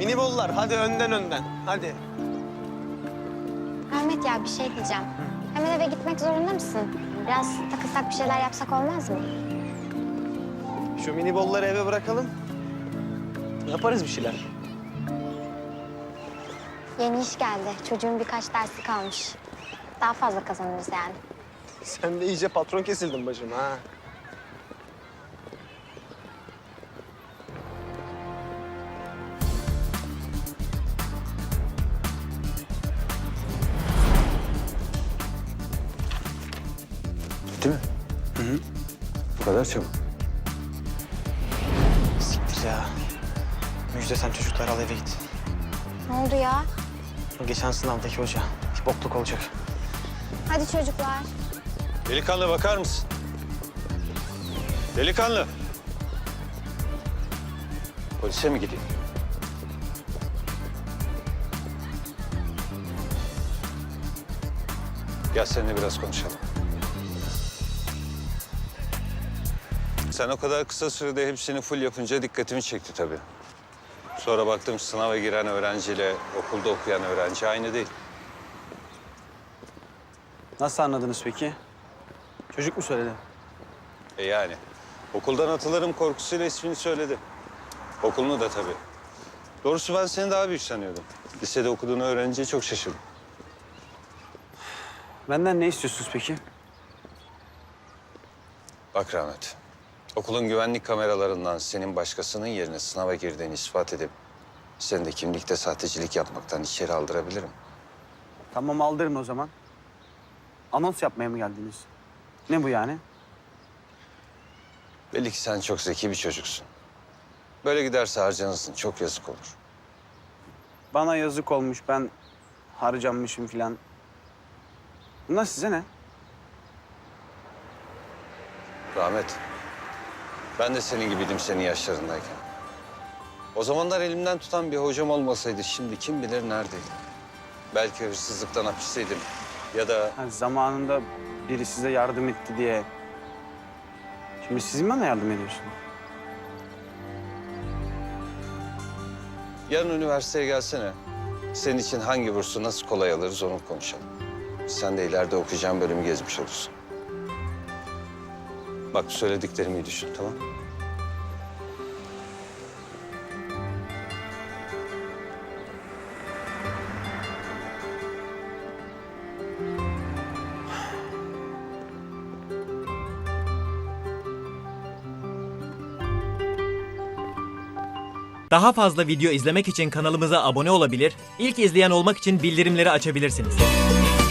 Mini bollar hadi önden hadi. Ahmet ya bir şey diyeceğim. Hemen eve gitmek zorunda mısın? Biraz takılsak bir şeyler yapsak olmaz mı? Şu mini bolları eve bırakalım. Yaparız bir şeyler. Yeni iş geldi. Çocuğun birkaç dersi kalmış. Daha fazla kazanırız yani. Sen de iyice patron kesildin bacım ha. Bitti mi? Hı. Bu kadar çabuk. Siktir ya. Müjde sen çocukları al eve git. Ne oldu ya? O geçen sınavdaki hoca bir bokluk olacak. Hadi çocuklar. Delikanlı bakar mısın? Delikanlı. Polise mi gideyim? Gel seninle biraz konuşalım. Sen o kadar kısa sürede hepsini full yapınca dikkatimi çekti tabii. Sonra baktım sınava giren öğrenciyle okulda okuyan öğrenci aynı değil. Nasıl anladınız peki? Çocuk mu söyledi? Yani okuldan atılırım korkusuyla ismini söyledi. Okulunu da tabii. Doğrusu ben seni daha büyük sanıyordum. Lisede okuduğunu öğrenince çok şaşırdım. Benden ne istiyorsunuz peki? Bak Rahmet, okulun güvenlik kameralarından senin başkasının yerine sınava girdiğini ispat edip seni de kimlikte sahtecilik yapmaktan içeri aldırabilirim. Tamam aldırın o zaman. Anons yapmaya mı geldiniz? Ne bu yani? Belli ki sen çok zeki bir çocuksun. Böyle giderse harcanırsın, çok yazık olur. Bana yazık olmuş, ben harcanmışım filan. Bunlar size ne? Rahmet, ben de senin gibiydim senin yaşlarındayken. O zamanlar elimden tutan bir hocam olmasaydı şimdi kim bilir neredeydim. Belki hırsızlıktan hapisteydim ya da Ha, zamanında biri size yardım etti diye. Şimdi siz mi bana yardım ediyorsunuz? yarın üniversiteye gelsene. Senin için hangi bursu nasıl kolay alırız onu konuşalım. Sen de ileride okuyacağın bölümü gezmiş olursun. Bak söylediklerimi iyi düşün, tamam mı? Daha fazla video izlemek için kanalımıza abone olabilir, ilk izleyen olmak için bildirimleri açabilirsiniz.